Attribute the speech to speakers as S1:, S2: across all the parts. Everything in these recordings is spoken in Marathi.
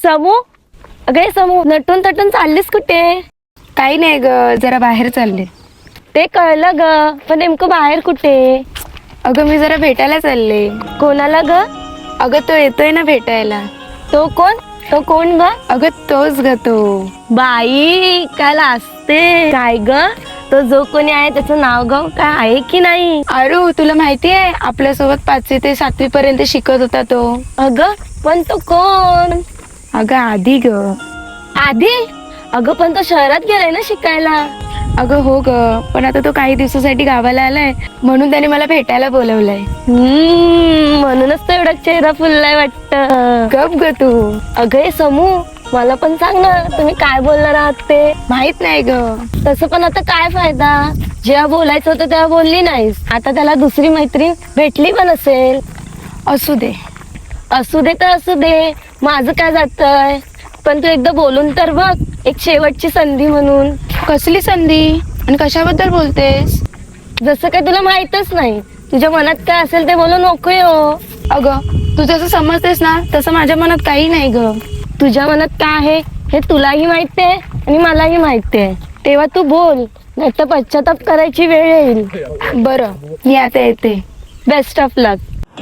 S1: समू, अगं समू, नटून तटून चाललीस कुठे?
S2: काही नाही ग, जरा बाहेर चालले.
S1: ते कळलं ग, पण नेमकं बाहेर कुठे?
S2: अगं मी जरा भेटायला चालले.
S1: कोणाला ग?
S2: अगं तो येतोय ना भेटायला.
S1: तो कोण? तो कोण ग?
S2: अगं तोच ग तो.
S1: बाई काय लाजते काय ग? तो जो कोणी आहे त्याचं नाव गाव काय आहे की नाही?
S2: अरू तुला माहिती आहे आपल्यासोबत 5वी ते 7वी पर्यंत शिकत होता तो.
S1: अगं पण तो कोण?
S2: अगं आधी ग.
S1: आधी? अगं पण तो शहरात गेलाय ना शिकायला.
S2: अगं हो ग, पण आता तो काही दिवसासाठी गावाला आलाय म्हणून त्याने मला भेटायला बोलवलंय.
S1: म्हणूनच तो एवढा चेहरा फुललाय वाटत.
S2: गप ग तू.
S1: अगं हे समू, मला पण सांग ना, तुम्ही काय बोलणार आहात ते?
S2: माहित नाही ग.
S1: तसं पण आता काय फायदा, जेव्हा बोलायचं होतं तेव्हा बोलली नाहीस. आता त्याला दुसरी मैत्रीण भेटली पण असेल.
S2: असू दे.
S1: असू दे तर असू दे, माझं काय जातंय. पण तू एकदा बोलून तर बघ, एक शेवटची संधी म्हणून.
S2: कसली संधी आणि कशाबद्दल बोलतेस?
S1: जसं काय तुला माहितच नाही, तुझ्या मनात काय असेल ते बोलू नको हो.
S2: अगं तू जसं समजतेस ना तसं माझ्या मनात काही नाही ग.
S1: तुझ्या मनात काय आहे हे तुलाही माहिती आहे आणि मलाही माहिती आहे. तेव्हा तू बोल, नाही तर पश्चाताप करायची वेळ येईल.
S2: बरं मी आता येते.
S1: Best of luck.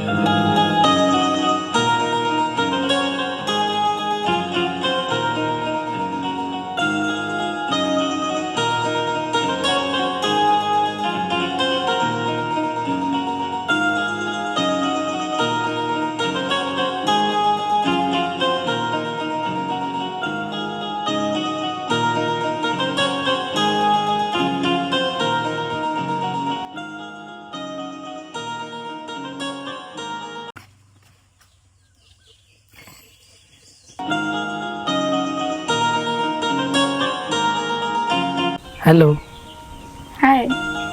S3: Hello.
S2: Hi.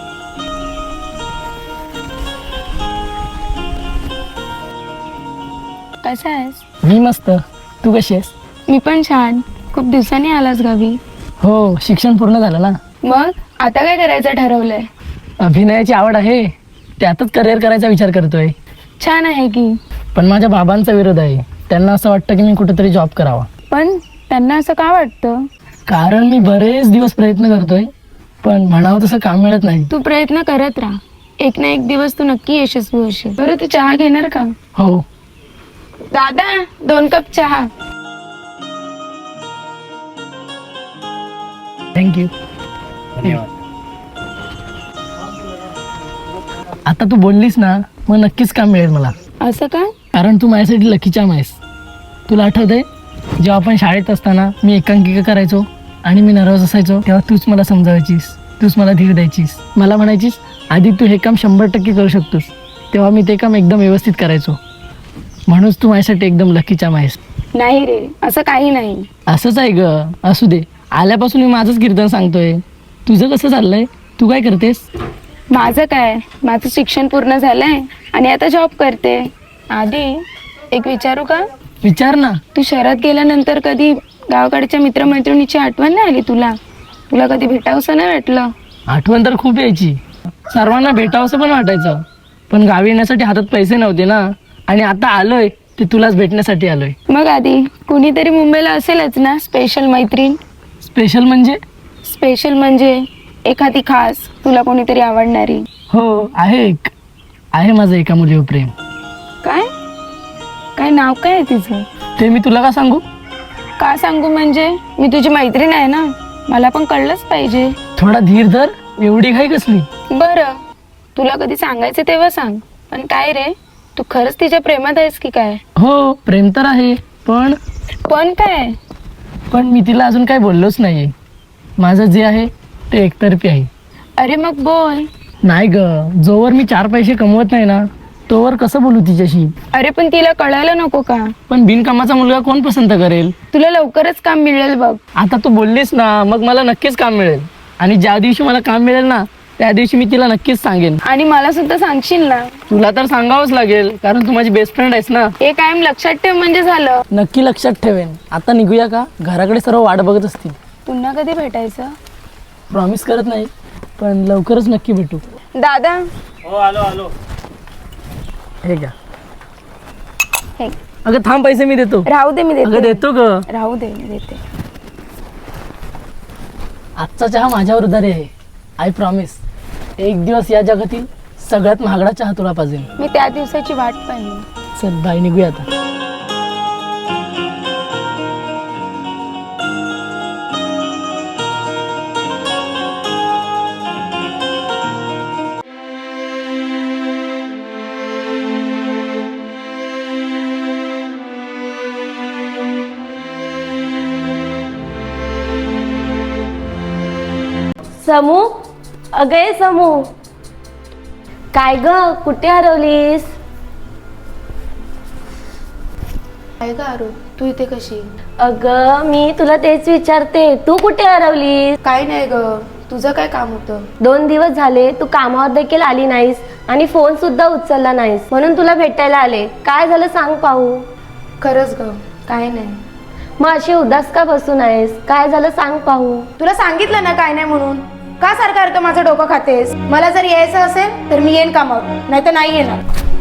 S2: कसा आहेस?
S3: मी मस्त. तू कशी आहेस?
S2: मी पण छान. खूप दिवसांनी आलास गावी.
S3: हो, शिक्षण पूर्ण झालं ना.
S2: मग आता काय करायचं ठरवलंय?
S3: अभिनयाची आवड आहे, त्यातच करिअर करायचा विचार करतोय.
S2: छान आहे की.
S3: पण माझ्या बाबांचा विरोध आहे. त्यांना असं वाटतं की मी कुठेतरी जॉब करावा.
S2: पण त्यांना असं का वाटतं?
S3: कारण मी बरेच दिवस प्रयत्न करतोय, पण म्हणावं तसं काम मिळत नाही.
S2: तू प्रयत्न करत राहा, एक ना एक दिवस तू नक्की यशस्वी होशील. बरं तू चहा घेणार का?
S3: हो.
S2: दादा 2 कप चहा.
S3: थँक्यू. आता तू बोललीस ना, मग नक्कीच काम मिळेल मला.
S2: असं का?
S3: कारण तू माझ्यासाठी लकी चाम आहेस. तुला आठवतंय जेव्हा आपण शाळेत असताना मी एकांकिका करायचो आणि मी नर्वस असायचो, तेव्हा तूच मला समजावायचीस, तूच मला धीर द्यायचीस. मला म्हणायचीस आधी तू हे काम 100% करू शकतोस. तेव्हा मी ते काम एकदम व्यवस्थित करायचो. म्हणूनच तू माझ्यासाठी एकदम लकी चाम आहेस.
S2: नाही रे, असं काही नाही.
S3: असंच आहे ग. असू दे. आल्यापासून मी माझंच कीर्तन सांगतोय. तुझं कसं चाललंय? तू काय करतेस?
S2: माझं काय, माझं शिक्षण पूर्ण झालंय आणि आता जॉब करते. आधी एक विचारू का?
S3: विचार ना.
S2: तू शहरात गेल्यानंतर कधी गावाकडच्या मित्रमैत्रिणीची आठवण नाही आली तुला? तुला कधी भेटावंसं नाही वाटलं?
S3: आठवण तर खूप यायची. सर्वांना भेटावंसं पण वाटायचं. पण गावी येण्यासाठी हातात पैसे नव्हते ना. आणि आता आलोय ते तुलाच भेटण्यासाठी आलोय.
S2: मग आधी कुणीतरी मुंबईला असेलच ना स्पेशल मैत्रीण?
S3: स्पेशल म्हणजे?
S2: स्पेशल म्हणजे एखादी खास, तुला कोणीतरी आवडणारी.
S3: हो आहे एक. आहे माझं एका मुलीवर प्रेम.
S2: काय काय नाव काय आहे तिचं?
S3: ते मी तुला का सांगू?
S2: का सांगू म्हणजे? मी तुझी मैत्रीण आहे ना, मला पण कळलंच पाहिजे.
S3: थोडा धीर धर. एवढी घाई कसली?
S2: बरं तुला कधी सांगायचं तेव्हा सांग. पण काय रे, तू खरंच तिच्या प्रेमात आहेस की काय?
S3: हो, प्रेम तर आहे. पण
S2: काय?
S3: पण मी तिला अजून काही बोललोच नाहीये. माझं जे आहे ते एकतर्फी आहे.
S2: अरे मग बोल.
S3: नाही ग, जोवर मी 4 पैसे कमवत नाही ना, तोवर कसं बोलू तिच्याशी?
S2: अरे पण तिला कळायला नको का?
S3: पण बिनकामाचा मुलगा कोण पसंत करेल?
S2: तुला लवकरच काम मिळेल बघ.
S3: आता तू बोललीस ना, मग मला नक्कीच काम मिळेल. आणि ज्या दिवशी मला काम मिळेल ना, त्या दिवशी मी तिला नक्कीच सांगेन.
S2: आणि मला सुद्धा सांगशील ना?
S3: तुला तर सांगावंच लागेल, कारण तू माझी बेस्ट फ्रेंड आहेस ना.
S2: हे कायम लक्षात ठेव म्हणजे झालं.
S3: नक्की लक्षात ठेवेन. आता निघूया का? घराकडे सर्व वाट बघत असतील.
S2: पुन्हा कधी भेटायचं?
S3: प्रॉमिस करत नाही, पण लवकरच नक्की भेटू.
S2: दादा.
S4: हो आलो.
S3: हे घ्या.
S2: हे
S3: अगं थांब, पैसे मी देतो.
S2: राहू दे, मी
S3: अगं
S2: देते.
S3: देतो ग.
S2: राहू दे, मी देते.
S3: आजचा चहा माझ्यावर उधारी आहे. I promise. एक दिवस या जगातील सगळ्यात महागडा चहा तुला पाहिजे.
S2: मी त्या दिवसाची वाट पाहिली.
S3: चल बाय, निघूया आता.
S1: समू, अगं ये समू. काय ग, कुठे हरवलीस?
S2: काय का आरू, तू इथे कशी?
S1: अगं मी तुला तेच विचारते, तू कुठे हरवलीस?
S2: काय नाही ग, तुझं काय काम होतं?
S1: 2 दिवस झाले तू कामावर देखील आली नाहीस आणि फोन सुद्धा उचलला नाहीस, म्हणून तुला भेटायला आले. काय झालं सांग पाहू.
S2: खरंच ग, काय नाही.
S1: मग अशी उदास का बसून आहेस? काय झालं सांग पाहू.
S2: तुला सांगितलं ना काय नाही म्हणून. का सारखं माझं डोकं खातेस? मला जर यायचं असेल तर मी येईन कामावर, नाही तर नाही येणार.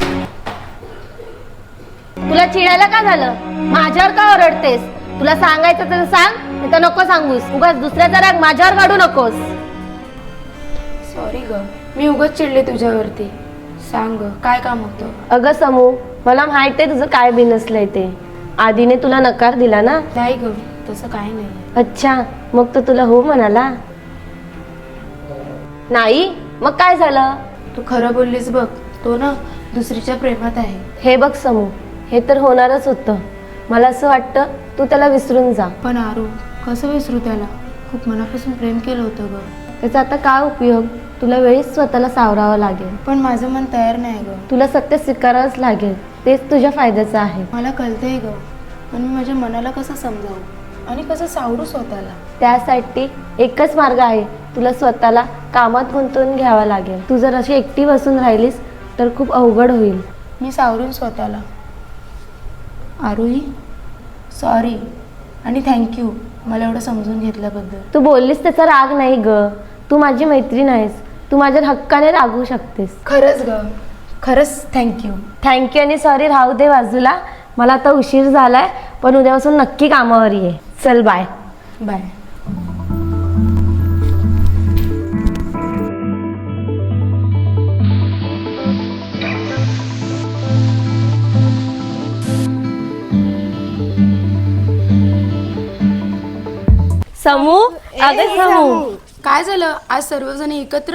S1: तुला चिडायला का झालं? माझ्यावर का ओरडतेस? तुला सांगायचं तर सांग, नाही तर नको सांगूस. उगाच दुसऱ्याचा राग माझ्यावर काढू नकोस.
S2: सॉरी ग, मी उगाच चिडले तुझ्यावरती. सांग ग, काय काम होतं?
S1: अगं समू, मला माहित आहे तुझं काय बिनसलंय ते. आधीने तुला नकार दिला ना?
S2: नाही ग, तसं काय नाही.
S1: अच्छा, मग तो तुला हो म्हणाला नाही? मग काय झालं?
S2: तू खरं बोललीस बघ, तो ना दुसरीच्या प्रेमात आहे.
S1: हे बघ समू, हे तर होणारच होतं. मला असं वाटतं तू त्याला विसरून जा.
S2: पण आरू, कसं विसरू त्याला? खूप मनापासून प्रेम केलं होतं ग.
S1: त्याचा आता काय उपयोग? तुला वेळीच स्वतःला सावरावं लागेल.
S2: पण माझं मन तयार नाही ग.
S1: तुला सत्य स्वीकारावंच लागेल. तेच तुझ्या फायद्याचं आहे.
S2: मला कळतंय ग, पण मी माझ्या मनाला कसं समजावू आणि कसं सावरू स्वतःला?
S1: त्यासाठी एकच मार्ग आहे, तुला स्वतःला कामात गुंतवून घ्यावा लागेल. तू जर अशी एकटी बसून राहिलीस तर खूप अवघड होईल.
S2: मी सावरून स्वतःला. आरुही, सॉरी आणि थँक्यू मला एवढं समजून घेतल्याबद्दल.
S1: तू बोललीस त्याचा राग नाही ग. तू माझी मैत्रीण आहेस. तू माझ्या हक्काने रागू शकतेस.
S2: खरंच ग, खरंच थँक्यू.
S1: थँक्यू आणि सॉरी राहू दे बाजूला. मला आता उशीर झालाय, पण उद्यापासून नक्की कामावर ये. चल बाय.
S2: बाय.
S1: समू, अगं समू.
S2: काय झालं आज सर्वजण एकत्र?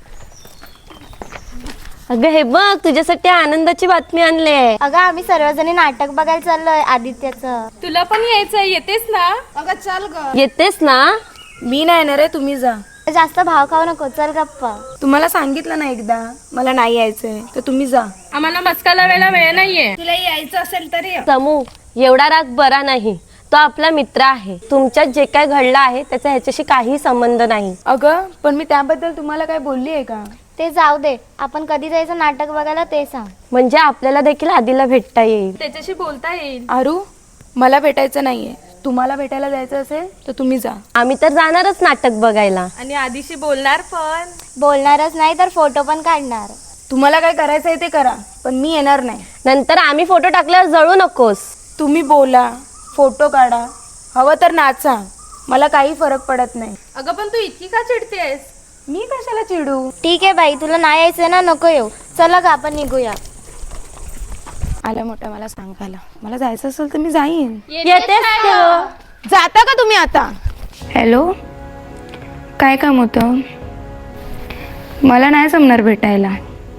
S1: अगं हे बघ, तुझ्यासाठी आनंदाची बातमी आणली आहे.
S4: अगं आम्ही सर्वजणी नाटक बघायला चाललोय आदित्याचं.
S2: तुला पण यायचं, येतेस ना? अगं चल ग.
S1: येतेस ना?
S2: मी नाही येणार आहे, तुम्ही जा.
S4: जास्त भाव खाऊ नको, चल गप्पा.
S2: तुम्हाला सांगितलं ना एकदा मला नाही यायचंय, तर तुम्ही जा. आम्हाला मस्का लावायला वेळ नाहीये. तुला यायचं असेल तरी
S1: समू, एवढा राग बरा नाही. तो आपला मित्र आहे. तुमच्यात जे काय घडलं आहे त्याचा ह्याच्याशी काही संबंध नाही.
S2: अगं पण मी त्याबद्दल तुम्हाला काय बोलली आहे का?
S4: ते जाऊ दे, आपण कधी जायचं नाटक बघायला ते सांग.
S1: म्हणजे आपल्याला देखील आधीला भेटता येईल.
S2: त्याच्याशी बोलता येईल. आरू, मला भेटायचं नाहीये. तुम्हाला भेटायला जायचं असेल तर तुम्ही जा.
S1: आम्ही तर जाणारच नाटक बघायला.
S2: आणि आधीशी बोलणार पण.
S4: बोलणारच नाही तर फोटो पण काढणार.
S2: तुम्हाला काय करायचंय ते करा, पण मी येणार नाही.
S1: नंतर आम्ही फोटो टाकल्यावर जळू नकोस.
S2: तुम्ही बोला, फोटो काढा, हवं तर नाचा, मला काही फरक पडत नाही. अगं पण तू इतकी का चिडतेस? मी कशाला चिडू?
S4: ठीक आहे बाई, तुला नाही यायचं ना, नको येऊ. चला ग आपण निघूया.
S2: आला मोठा मला सांगायला. मला जायचं असेल तर मी जाईन.
S1: येतेस का?
S2: जाता का तुम्ही आता? हॅलो, काय काम होतं? मला नाही जमणार भेटायला.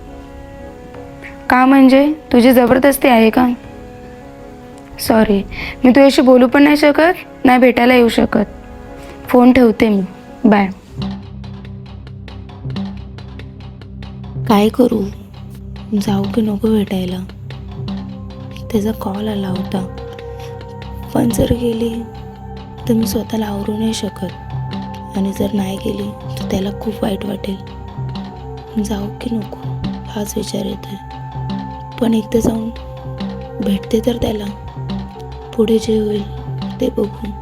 S2: का म्हणजे तुझी जबरदस्ती आहे का? सॉरी, मी तुझ्याशी बोलू पण नाही शकत, नाही भेटायला येऊ शकत. फोन ठेवते मी. बाय. काय करू? जाऊ की नको भेटायला? त्याचा कॉल आला होता, पण जर गेली तर मी स्वतःला आवरू नाही शकत, आणि जर नाही गेली तर त्याला खूप वाईट वाटेल. जाऊ की नको हाच विचार येतोय. पण एकदा जाऊन भेटते तर त्याला, पुढे जे होईल ते बघू.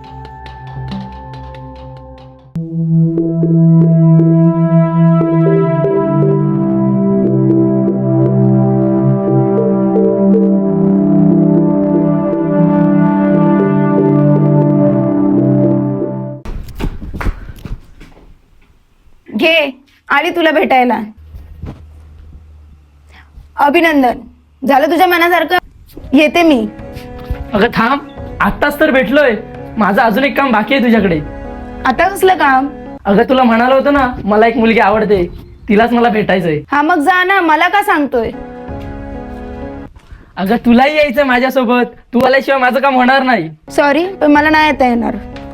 S2: आली तुला भेटायला. अभिनंदन, झालं तुझ्या मनासारखं. येते मी.
S3: अगं थांब, आत्ताच तर भेटलोय. माझं अजून एक काम बाकी आहे तुझ्याकडे.
S2: आता कसलं काम?
S3: अगं तुला म्हणालो होतं ना मला एक मुलगी आवडते, तिलाच मला भेटायचंय.
S2: हा मग जा ना, मला का सांगतोय?
S3: अगं तुलाही यायचं माझ्यासोबत. तू आल्याशिवाय माझं काम होणार नाही.
S2: सॉरी, पण मला नाही येता येणार.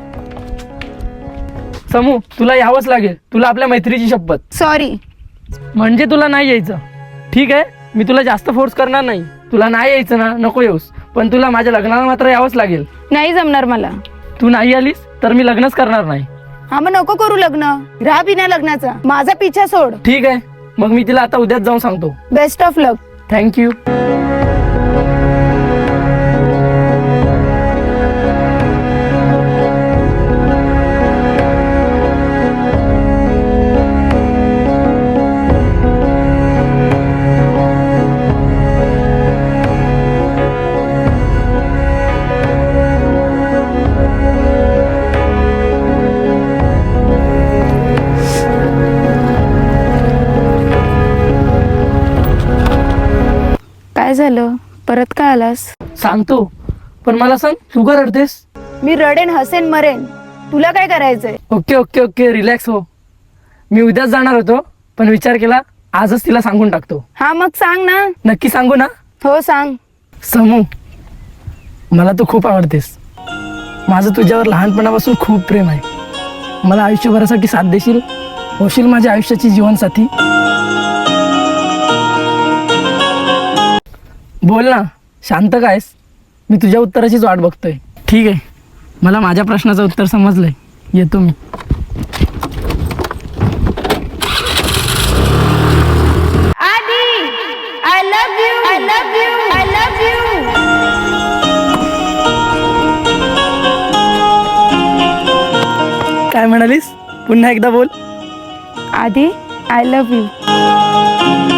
S3: समू, तुला यावंच लागेल. तुला आपल्या मैत्रीची शपथ.
S2: सॉरी.
S3: म्हणजे तुला नाही यायचं? ठीक आहे, मी तुला जास्त फोर्स करणार नाही. तुला नाही यायचं ना, नको येऊस, पण तुला माझ्या लग्नाला मात्र यावंच लागेल.
S2: नाही जमणार मला.
S3: तू नाही आलीस तर मी लग्नच करणार नाही.
S2: हा मग नको करू लग्न. राहा बिना लग्नाचा. माझा पिछा सोड.
S3: ठीक आहे, मग मी तिला आता उद्याच जाऊन सांगतो.
S2: Best of luck.
S3: थँक्यू.
S2: काय झालं? परत का आलास?
S3: सांगतो, पण मला सांग तू का रडतेस?
S2: मी रडेन, हसेन, मरेन. तुला काय करायचंय?
S3: ओके ओके ओके, रिलॅक्स हो. मी उद्याच जाणार होतो, पण विचार केला आजच तिला सांगून टाकतो.
S2: हा मग सांग ना.
S3: नक्की सांगू ना?
S2: हो सांग.
S3: समू, मला तू खूप आवडतेस. माझं तुझ्यावर लहानपणापासून खूप प्रेम आहे. मला आयुष्यभरासाठी साथ देशील, होशील माझ्या आयुष्याची जीवनसाथी. बोल ना, शांत कायस? मी तुझ्या उत्तराचीच वाट बघतोय. ठीक आहे, मला माझ्या प्रश्नाचं उत्तर समजलंय. येतो मी.
S2: Adi, I love you. I love you. I love you.
S3: काय म्हणालीस? पुन्हा एकदा बोल.
S2: आदी, आय लव्ह यू.